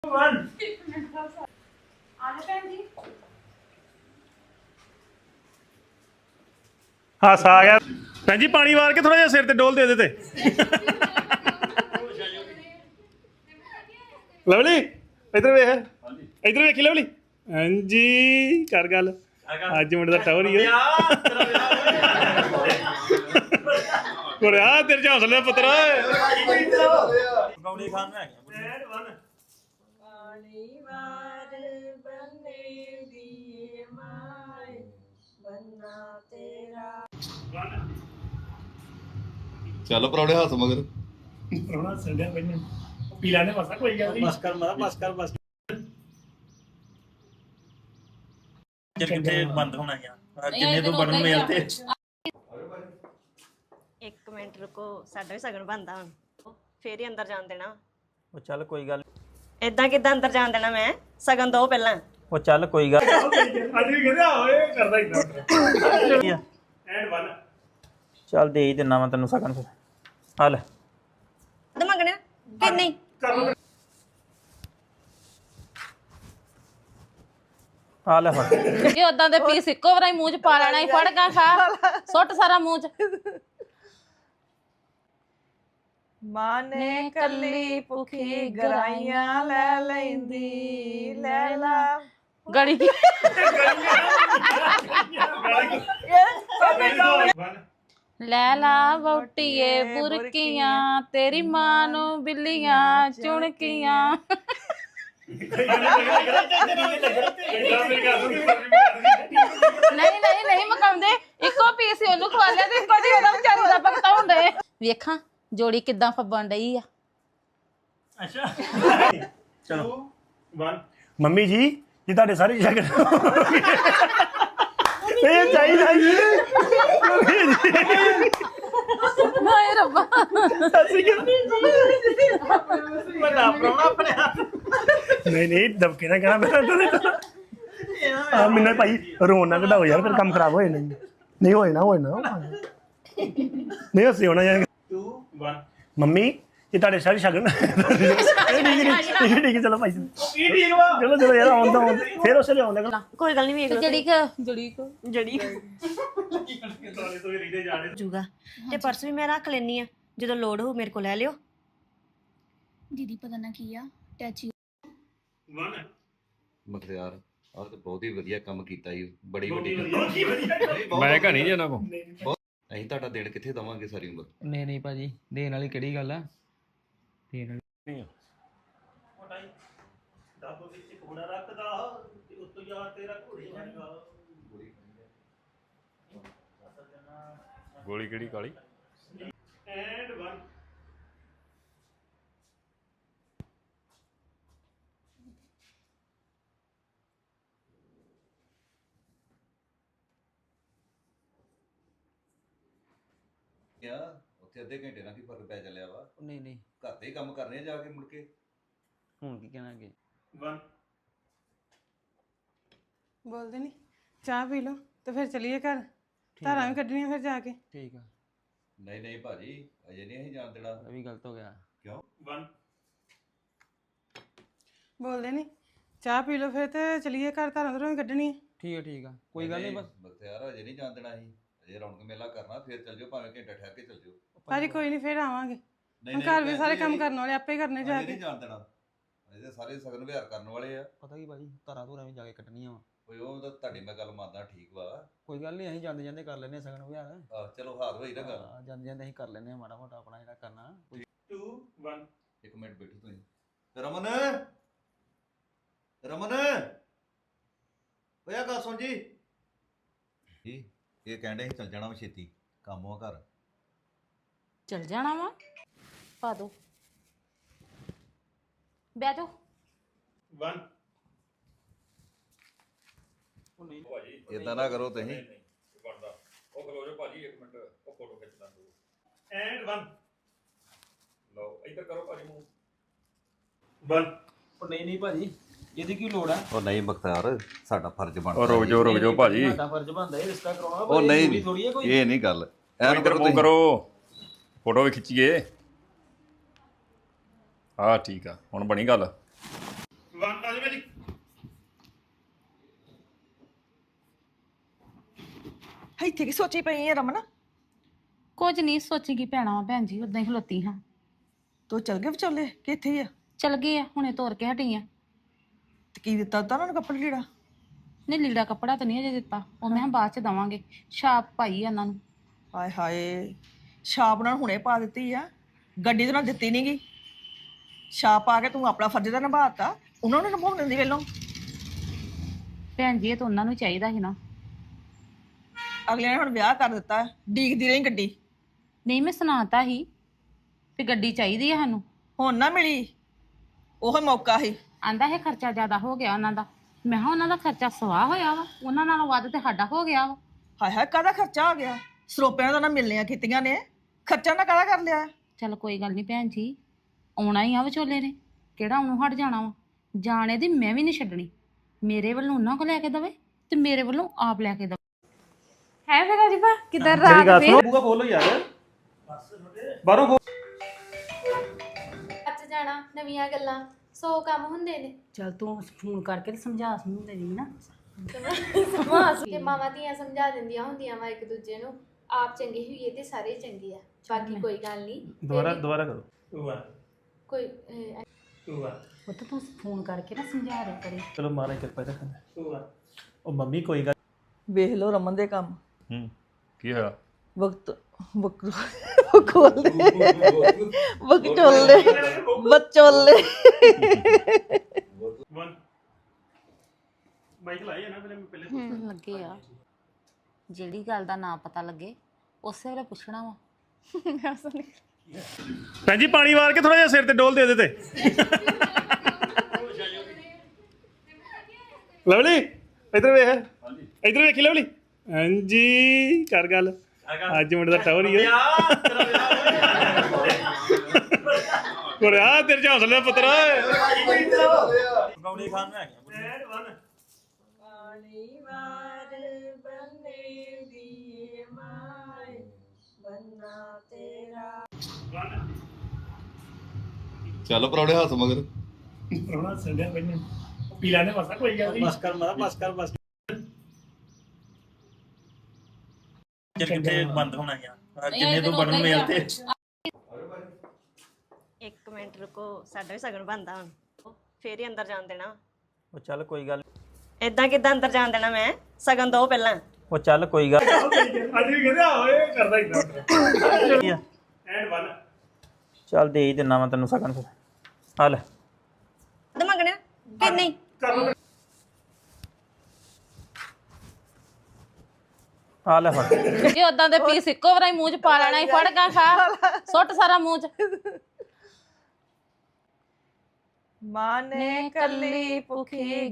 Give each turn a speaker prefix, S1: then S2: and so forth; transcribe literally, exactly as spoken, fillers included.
S1: ਹਾਸਾ ਆ ਗਿਆ ਭੈਣ ਜੀ ਪਾਣੀ ਵਾਰ ਕੇ ਥੋੜਾ ਜਿਹਾ ਸਿਰ ਤੇ ਡੋਲ ਦੇ ਦੇ ਤੇ ਲਵਲੀ ਇਧਰ ਵੇਖ ਇਧਰ ਵੇਖੀ ਲਵਲੀ ਹਾਂਜੀ ਕਰ ਗੱਲ ਅੱਜ ਮੁੰਡੇ ਦਾ ਟਾਵਰ ਹੀ ਹੈ ਕੋਰਿਆ ਤੇਰੇ ਚ ਹੌਸਲੇ ਪੁੱਤਰ ਗੌੜੀ ਖਾਨ ਹੈ ਪਾਣੀ ਵਾਰ ਬੰਨੇ ਦੀ ਮਾਏ ਬੰਨਾ ਤੇਰਾ
S2: ਚੱਲ ਪਰੌੜੇ ਹੱਥ ਮਗਰ
S1: ਪਰੌਣਾ ਸੰਡਿਆ ਬੈਠੇ ਪੀ ਲੈਣੇ ਮਸਾ ਕੋਈ ਗੱਲ ਨਹੀਂ ਬਸ ਕਰ ਮਾਰਾ ਬਸ ਕਰ ਬਸ ਕਿੱਥੇ ਬੰਦ ਹੋਣਾ ਯਾਰ ਜਿੰਨੇ ਤੋਂ ਬਣਨ ਮੇਲ ਤੇ
S3: ਇੱਕ ਮਿੰਟ ਰੁਕੋ ਸਾਡਾ ਵੀ ਸਗਨ ਬੰਦਾ ਹੁਣ ਫੇਰ ਹੀ ਅੰਦਰ ਜਾਣ ਦੇਣਾ
S4: ਉਹ ਚੱਲ ਕੋਈ ਗੱਲ
S3: ਇਦਾਂ ਕਿਦਾਂ ਅੰਦਰ ਜਾਣ ਦੇਣਾ ਮੈਂ ਸਗਨ ਦੋ ਪਹਿਲਾਂ
S4: ਉਹ ਚੱਲ ਕੋਈ ਗੱਲ
S1: ਅੱਜ ਵੀ ਕਹਿੰਦਾ ਓਏ ਕਰਦਾ ਇਦਾਂ ਐਂਡ ਵਨ
S4: ਚੱਲ ਦੇ ਹੀ ਦਿੰਨਾ ਮੈਂ ਤੈਨੂੰ ਸਗਨ ਫਿਰ ਆ ਲੈ
S3: ਤੇ ਮੰਗਣਾ ਕਿ ਨਹੀਂ
S4: ਆ ਲੈ ਫੜ
S5: ਇਹ ਉਦਾਂ ਦੇ ਪੀਸ ਇੱਕੋ ਵਾਰੀ ਮੂੰਹ ਚ ਪਾ ਲੈਣਾ ਹੀ ਫੜ ਗਾ ਖਾ ਸੁੱਟ ਸਾਰਾ ਮੂੰਹ ਚ
S6: ਮਾਂ ਨੇ ਕੱਲੀ ਭੁੱਖੀ ਗਰਾਈਆਂ ਲੈ ਲੈਂਦੀ ਲੈ ਲਾ
S5: ਗੜੀ ਲੈ ਲਾ ਵੋਟੀਏ ਬੁਰਕੀਆਂ ਤੇਰੀ ਮਾਂ ਨੂੰ ਬਿੱਲੀਆਂ ਚੁਣਕੀਆਂ ਨਹੀਂ ਨਹੀਂ ਨਹੀਂ ਮਕਾਉਂਦੇ ਇੱਕੋ ਪੀਸ ਉਹਨੂੰ ਖਵਾ ਲਿਆ ਤੇ ਇੱਕੋ ਦੀ ਉਹਦਾ ਵਿਚਾਰੀ ਦਾ ਭਗਤਾ ਹੁੰਦੇ ਵੇਖਾਂ ਜੋੜੀ ਕਿੱਦਾਂ ਫੱਬਣ ਡਈ ਆ
S1: ਅੱਛਾ ਚਲੋ ਵਨ ਮੰਮੀ ਜੀ ਜੀ ਤੁਹਾਡੇ ਸਾਰੇ ਸ਼ਗਨ ਇਹ ਚਾਹੀਦਾ ਜੀ
S5: ਹਾਏ ਰੱਬਾ
S1: ਅਸੀਂ ਕਹਿੰਦੇ ਵੱਡਾ ਪ੍ਰਾਹੁਣਾ ਆਪਣੇ ਹੱਥ ਨਹੀਂ ਨਹੀਂ ਦਬਕੇ ਨਾ ਕਹਿਣਾ ਮੈਂ ਆ ਮੈਨੂੰ ਭਾਈ ਰੋਣ ਨਾ ਕਢਾਓ ਯਾਰ ਫਿਰ ਕੰਮ ਖਰਾਬ ਹੋ ਜਾਣਾ ਨਹੀਂ ਹੋਏ ਨਾ ਹੋਏ ਨਾ ਨਹੀਂ ਅਸੀਂ ਹੋਣਾ ਯਾਰ ਟੂ ਵਨ ਮੰਮੀ ਇਹ ਤੁਹਾਡੇ ਸਾਰੇ ਸ਼ਗਨ ਠੀਕ ਠੀਕ ਠੀਕ ਚਲੋ ਭਾਈ ਚਲੋ ਚਲੋ ਯਾਰ ਆਉਂਦਾ ਫਿਰ ਉਸੇ ਲਈ ਆਉਂਦਾ
S3: ਕੋਈ ਗੱਲ ਨਹੀਂ ਵੇਖ ਲਓ
S5: ਜੜੀ ਕ ਜੜੀ ਕ
S3: ਜੜੀ ਜੂਗਾ ਤੇ ਪਰਸ ਵੀ ਮੈਂ ਰੱਖ ਲੈਣੀ ਆ ਜਦੋਂ ਲੋੜ ਹੋ ਮੇਰੇ ਕੋਲ ਲੈ ਲਿਓ
S7: ਦੀਦੀ ਪਤਾ ਨਾ ਕੀ ਆ ਟੈਚੀ
S1: ਵਨ
S2: ਮਖਤਿਆਰ ਆਹ ਤਾਂ ਬਹੁਤ ਹੀ ਵਧੀਆ ਕੰਮ ਕੀਤਾ ਜੀ ਬੜੀ ਵੱਡੀ
S8: ਮੈਂ ਕਹਾਣੀ ਜੀ ਉਹਨਾਂ ਕੋ
S2: ਅਸੀਂ ਤੁਹਾਡਾ ਦੇਣ ਕਿੱਥੇ ਦਵਾਂਗੇ ਸਾਰੀ ਉਮਰ
S4: ਨਹੀਂ ਨਹੀਂ ਭਾਜੀ ਦੇਣ ਵਾਲੀ ਕਿਹੜੀ ਗੱਲ ਆ ਦੇਣ ਵਾਲੀ
S1: ਦਾਬੋ ਵਿੱਚ ਘੋੜਾ ਰੱਖਦਾ ਤੇ ਉੱਤੋਂ ਯਾਰ ਤੇਰਾ ਘੋੜੇ ਜਾਣਗਾ
S8: ਗੋਲੀ ਕਿਹੜੀ ਕਾਲੀ
S1: ਐਂਡ ਵਨ
S2: ਕਿਆ ਉੱਥੇ ਅੱਧੇ ਘੰਟੇ ਨਾਲ ਕੀ ਫਰਕ ਪੈ ਚੱਲਿਆ ਵਾ
S4: ਨਹੀਂ ਨਹੀਂ
S2: ਘਰ ਦੇ ਹੀ ਕੰਮ ਕਰਨੇ ਆ ਜਾ ਕੇ ਮੁੜ ਕੇ
S4: ਹੁਣ ਕੀ ਕਹਿਣਾ ਅੱਗੇ
S1: ਵਨ
S6: ਬੋਲਦੇ ਨਹੀਂ ਚਾਹ ਪੀ ਲਓ ਤੇ ਫਿਰ ਚਲੀਏ ਘਰ ਧਾਰਾਂ ਵੀ ਕੱਢਣੀਆਂ ਫਿਰ ਜਾ ਕੇ
S4: ਠੀਕ ਆ
S2: ਨਹੀਂ ਨਹੀਂ ਭਾਜੀ ਅਜੇ ਨਹੀਂ ਅਸੀਂ ਜਾਣ ਦੇਣਾ
S4: ਇਹ ਵੀ ਗਲਤ ਹੋ ਗਿਆ
S2: ਕਿਉਂ
S1: ਵਨ
S6: ਬੋਲਦੇ ਨਹੀਂ ਚਾਹ ਪੀ ਲਓ ਫਿਰ ਤੇ ਚਲੀਏ ਘਰ ਧਾਰਾਂ ਧਾਰਾਂ ਵੀ ਕੱਢਣੀਆਂ
S4: ਠੀਕ ਆ ਠੀਕ ਆ ਕੋਈ ਗੱਲ ਨਹੀਂ ਬਸ
S2: ਮਖਤਿਆਰ ਅਜੇ ਨਹੀਂ ਜਾਣ ਦੇਣਾ ਅਸੀਂ ਅਜੇ ਰੌਣਕ ਮੇਲਾ ਕਰਨਾ ਫਿਰ ਚੱਲ ਜਾਓ ਭਾਵੇਂ ਘੰਟਾ ਠਹਿਰ ਕੇ ਚੱਲ ਜਾਓ
S6: ਭਾਜੀ ਕੋਈ ਨਹੀਂ ਫਿਰ ਆਵਾਂਗੇ
S2: ਨਹੀਂ
S6: ਹੁਣ ਘਰ ਵੀ ਸਾਰੇ ਕੰਮ ਕਰਨ ਵਾਲੇ ਆਪੇ ਕਰਨੇ ਜਾ
S2: ਅਜੇ
S6: ਕੇ
S2: ਨਹੀਂ ਜਾਣ ਦੇਣਾ ਅਜੇ ਸਾਰੇ ਸਗਨ ਵਿਹਾਰ ਕਰਨ ਵਾਲੇ ਆ
S4: ਪਤਾ ਕੀ ਭਾਜੀ ਧਾਰਾਂ ਧੂਰਾਂ ਵੀ ਜਾ ਕੇ ਕੱਟਣੀਆਂ ਵਾ
S2: ਕੋਈ ਉਹ ਤਾਂ ਤੁਹਾਡੀ ਮੈਂ ਗੱਲ ਮੰਨਦਾ ਠੀਕ ਵਾ
S4: ਕੋਈ ਗੱਲ ਨਹੀਂ ਅਸੀਂ ਜਾਂਦੇ ਜਾਂਦੇ ਕਰ ਲੈਨੇ ਆ ਸਗਨ ਵਿਹਾਰ
S2: ਆਹ ਚਲੋ ਹਾਰ ਹੋਈ ਨਾ ਗੱਲ
S4: ਹਾਂ, ਜਾਂਦੇ ਜਾਂਦੇ ਅਸੀਂ ਕਰ ਲੈਨੇ ਆ ਮਾੜਾ ਮੋਟਾ ਆਪਣਾ ਜਿਹੜਾ ਕਰਨਾ ਕੋਈ
S1: ਟੂ ਵਨ
S2: ਇੱਕ ਮਿੰਟ ਬੈਠੋ ਤੁਸੀਂ ਰਮਨ ਰਮਨ ਓਏ ਗੱਲ ਸੁਣ ਜੀ ਜੀ ਇਹ ਕਹਿੰਦੇ ਸੀ ਚੱਲ ਜਾਣਾ ਵਾ ਛੇਤੀ ਕੰਮ ਆ ਘਰ
S5: ਚਲ ਜਾਣਾ ਵਾ ਪਾ ਦੋ ਬਹਿ ਜਾਓ
S1: ਵਨ
S2: ਇਦਾਂ ਨਾ ਕਰੋ ਤੁਸੀਂ
S8: ਉਹ ਖਲੋ ਜਾ ਭਾਜੀ ਇੱਕ ਮਿੰਟ ਉਹ ਫੋਟੋ ਖਿੱਚ ਲਾਂ
S1: ਐਂਡ ਵਨ
S8: ਲਓ ਇੱਧਰ ਕਰੋ ਭਾਜੀ ਮੂੰਹ
S1: ਵਨ
S4: ਉਹ ਨਹੀਂ ਨਹੀਂ ਭਾਜੀ ਇਹਦੀ ਕੀ ਲੋੜ ਆ
S2: ਉਹ ਨਹੀਂ ਬਖਤਾਰ ਸਾਡਾ ਫਰਜ਼ ਬਣਦਾ
S8: ਉਹ ਰੁਕ ਜਾਓ ਰੁਕ ਜਾਓ ਭਾਜੀ
S4: ਸਾਡਾ ਫਰਜ਼ ਬਣਦਾ ਇਹ ਰਿਸ਼ਤਾ ਕਰਾਉਣਾ
S2: ਉਹ ਨਹੀਂ
S4: ਥੋੜੀ ਹੈ ਕੋਈ
S2: ਇਹ ਨਹੀਂ ਗੱਲ ਐਨ
S8: ਇੱਧਰ ਮੂੰਹ ਕਰੋ ਫੋਟੋ ਵੀ ਖਿੱਚੀਏ ਹਾਂ ਠੀਕ ਆ ਹੁਣ ਬਣੀ ਗੱਲ ਵਨ ਆ ਜਾ ਮੇਰੀ
S9: ਇੱਥੇ ਕੀ ਸੋਚੀ ਪਈ ਹੈ ਰਮਨ?
S5: ਕੁਝ ਨਹੀਂ ਸੋਚੀਗੀ ਭੈਣਾ ਵਾ ਭੈਣ ਜੀ, ਉਦਾਂ ਹੀ ਖਲੋਤੀ ਹਾਂ।
S9: ਤੂੰ ਚਲ ਗਏ ਵਿਚੋਲੇ ਕਿ ਇੱਥੇ ਹੀ ਆ?
S5: ਚਲ ਗਏ ਆ, ਹੁਣੇ ਤੋਰ ਕੇ ਹਟੀ ਆ।
S9: ਤੇ ਕੀ ਦਿੱਤਾ ਤਾਂ ਉਹਨਾਂ ਨੂੰ ਕੱਪੜਾ ਲੀੜਾ?
S5: ਨਹੀਂ ਲੀੜਾ ਕੱਪੜਾ ਤਾਂ ਨਹੀਂ ਅਜੇ ਦਿੱਤਾ, ਉਹ ਮੈਂ ਕਿਹਾ ਬਾਅਦ ਚ ਦਵਾਂਗੇ। ਛਾਪ ਪਾਈ ਆ ਉਹਨਾਂ ਨੂੰ।
S9: ਹਾਏ ਹਾਏ, ਛਾਪ ਉਹਨਾਂ ਨੂੰ ਹੁਣੇ ਪਾ ਦਿੱਤੀ ਆ, ਗੱਡੀ ਤੇ ਨਾ ਦਿੱਤੀ ਨੀ ਗੀ। ਛਾਪ ਪਾ ਕੇ ਤੂੰ ਆਪਣਾ ਫਰਜ਼ ਤਾਂ ਨਿਭਾਤਾ, ਉਹਨਾਂ ਨੂੰ ਨਿਭਾਉਣ ਦਿੰਦੀ ਵੇਲੋਂ।
S5: ਭੈਣ ਜੀ ਇਹ ਤਾਂ ਉਹਨਾਂ ਨੂੰ ਚਾਹੀਦਾ ਸੀ ਨਾ।
S9: ਅਗਲੇ ਨੇ ਹੁਣ ਵਿਆਹ ਕਰ ਦਿੱਤਾ, ਡੀਕਦੀ ਰਹੀ ਗੱਡੀ।
S5: ਨਹੀਂ ਮੈਂ ਸੁਣਾਤਾ ਸੀ ਵੀ ਗੱਡੀ ਚਾਹੀਦੀ ਆ ਸਾਨੂੰ।
S9: ਹੁਣ ਨਾ ਮਿਲੀ, ਉਹ ਮੌਕਾ ਸੀ।
S5: ਆਂਦਾ ਇਹ ਖਰਚਾ ਜ਼ਿਆਦਾ ਹੋ ਗਿਆ ਉਹਨਾਂ ਦਾ। ਮੈਂ ਕਿਹਾ ਉਹਨਾਂ ਦਾ ਖਰਚਾ ਸਵਾਹ ਹੋਇਆ ਵਾ, ਉਹਨਾਂ ਨਾਲੋਂ ਵੱਧ ਤੇ ਸਾਡਾ ਹੋ ਗਿਆ ਵਾ।
S9: ਹਾਏ ਹਾਏ, ਕਾਹਦਾ ਖਰਚਾ ਹੋ ਗਿਆ? ਸਰੋਪਿਆਂ ਤੋਂ ਨਾ ਮਿਲਣੀਆਂ ਕੀਤੀਆਂ ਨੇ, ਖਰਚਾ ਨਾ ਕਾਹਦਾ ਕਰ ਲਿਆ?
S5: ਚੱਲ ਕੋਈ ਗੱਲ ਨਹੀਂ ਭੈਣ ਜੀ, ਆਉਣਾ ਹੀ ਆ ਵਿਚੋਲੇ ਨੇ, ਕਿਹੜਾ ਉਹਨੂੰ ਹਟ ਜਾਣਾ ਵਾ। ਜਾਣੇ ਦੀ ਮੈਂ ਵੀ ਨਹੀਂ ਛੱਡਣੀ। ਮੇਰੇ ਵੱਲੋਂ ਉਹਨਾਂ ਕੋ ਲੈ ਕੇ ਦਵੇ ਤੇ ਮੇਰੇ ਵੱਲੋਂ ਆਪ ਲੈ ਕੇ ਦਵੇ।
S6: ਹੈ ਫਿਰ ਅਜੀਬਾ ਕਿੱਧਰ ਰਾਤ ਫੇਰ
S8: ਬੂਗਾ ਖੋਲੋ ਯਾਰ ਬਾਹਰੋਂ ਖੋਲ
S7: ਅੱਜ ਜਾਣਾ ਨਵੀਆਂ ਗੱਲਾਂ ਸੌ ਕੰਮ ਹੁੰਦੇ ਨੇ
S5: ਚੱਲ ਤੂੰ ਫੋਨ ਕਰਕੇ ਤੇ ਸਮਝਾ ਸਮਝਾ ਦੇਵੀਂ ਨਾ।
S7: ਤੇ ਮਾਵਾਂ ਧੀਆਂ ਸਮਝਾ ਦਿੰਦੀਆਂ ਹੁੰਦੀਆਂ ਵਾ ਇੱਕ ਦੂਜੇ ਨੂੰ। ਆਪ ਚੰਗੇ ਹੋਈਏ ਤੇ ਸਾਰੇ ਚੰਗੇ ਆ, ਬਾਕੀ ਕੋਈ ਗੱਲ ਨਹੀਂ।
S8: ਦੁਬਾਰਾ ਦੁਬਾਰਾ ਕਰੋ
S7: ਕੋਈ ਅਹ,
S5: ਉਹ ਤਾਂ ਤੂੰ ਫੋਨ ਕਰਕੇ ਨਾ ਸਮਝਾ ਰਿਹਾ ਕਰੇ।
S8: ਚਲੋ ਮਾਰਾ ਕਿਰਪਾ ਰੱਖਣਾ ਉਹ ਮੰਮੀ ਕੋਈ ਗੱਲ
S9: ਵੇਖ ਲਓ ਰਮਨ ਦੇ ਕੰਮ।
S8: ਹੂੰ ਕੀ ਹੋਇਆ
S9: ਵਕਤ ਵਕਤ ਬਕੋਲੇ ਬਕਚੋਲੇ ਬਚੋਲੇ।
S8: ਮਾਈਕ ਲਾਇਆ ਨਾ ਪਹਿਲੇ ਪਹਿਲੇ
S5: ਲੱਗੇ ਆ ਜਿਹੜੀ ਗੱਲ ਦਾ ਨਾਂ ਪਤਾ ਲੱਗੇ ਉਸੇ ਵੇਲੇ ਪੁੱਛਣਾ ਵਾ।
S8: ਭੈਣ ਜੀ ਪਾਣੀ ਵਾਰ ਕੇ ਥੋੜਾ ਜਿਹਾ ਸਿਰ ਤੇ ਡੋਲ ਦੇ ਦੇ ਤੇ ਲਵਲੀ ਇੱਧਰ ਵੇਖ ਇੱਧਰ ਵੇਖੀ ਲਵਲੀ ਹਾਂਜੀ ਕਰ ਗੱਲ ਅੱਜ ਮੁੰਡੇ ਦਾ ਟਾਵਰ ਹੀ ਆ ਕੋਰਿਆ ਤੇਰੇ ਚ ਹੌਸਲੇ ਪੁੱਤਰ ਗੌੜੀ ਖਾਨ ਨੂੰ ਆ ਗਿਆ ਪਾਣੀ ਵਾਰ ਬੰਨੇ ਦੀ ਮਾਏ ਬੰਨਾ ਤੇਰਾ
S2: ਚੱਲ ਪਰੌੜੇ ਹੱਥ ਮਗਰ
S1: ਪਰੋਣਾ ਸੰਗਿਆ ਮੈਨੂੰ ਪੀਲਾ ਨੇ ਮਸਾ ਕੋਈ ਗੱਲ ਨਹੀਂ।
S8: ਬਸ ਕਰ ਮਾਰਾ ਬਸ ਕਰ ਬਸ ਕਿੱਥੇ ਬੰਦ ਹੋਣਾ ਯਾਰ ਜਿੰਨੇ ਤੋਂ ਬਣਨ ਮੇਲ ਤੇ
S3: ਇੱਕ ਮਿੰਟ ਰੁਕੋ, ਸਾਡਾ ਵੀ ਸਗਨ ਬਣਦਾ ਹੁਣ, ਫੇਰ ਹੀ ਅੰਦਰ ਜਾਣ ਦੇਣਾ।
S10: ਉਹ ਚੱਲ ਕੋਈ ਗੱਲ
S3: ਏਦਾਂ ਕਿੱਦਾਂ ਅੰਦਰ ਜਾਣ ਦੇਣਾ ਮੈਂ? ਸਗਨ ਦੋ ਪਹਿਲਾਂ।
S10: ਉਹ ਚੱਲ ਕੋਈ ਗੱਲ
S1: ਅੱਜ ਵੀ ਕਹਿੰਦੇ ਆ ਓਏ ਕਰਦਾ ਇਦਾਂ ਐਂਡ ਵਨ
S10: ਚੱਲ ਦੇ ਹੀ ਦਿੰਨਾ ਮੈਂ ਤੈਨੂੰ ਸਕਨ ਫਿਰ ਆ ਲੈ
S3: ਤੇ ਮੰਗਣਾ ਕਿ ਨਹੀਂ?
S1: ਕਰ ਲਓ
S10: ਆ ਲੈ ਫੜ
S5: ਜੇ ਉਦਾਂ ਦੇ ਪੀਸ ਇੱਕੋ ਵਾਰੀ ਮੂੰਹ ਚ ਪਾ ਲੈਣਾ ਹੀ, ਫੜ ਗਾ ਖਾ ਸੁੱਟ ਸਾਰਾ ਮੂੰਹ ਚ।
S9: ਮਾਂ ਨੇ ਕੱਲੀ ਭੁੱਖੀ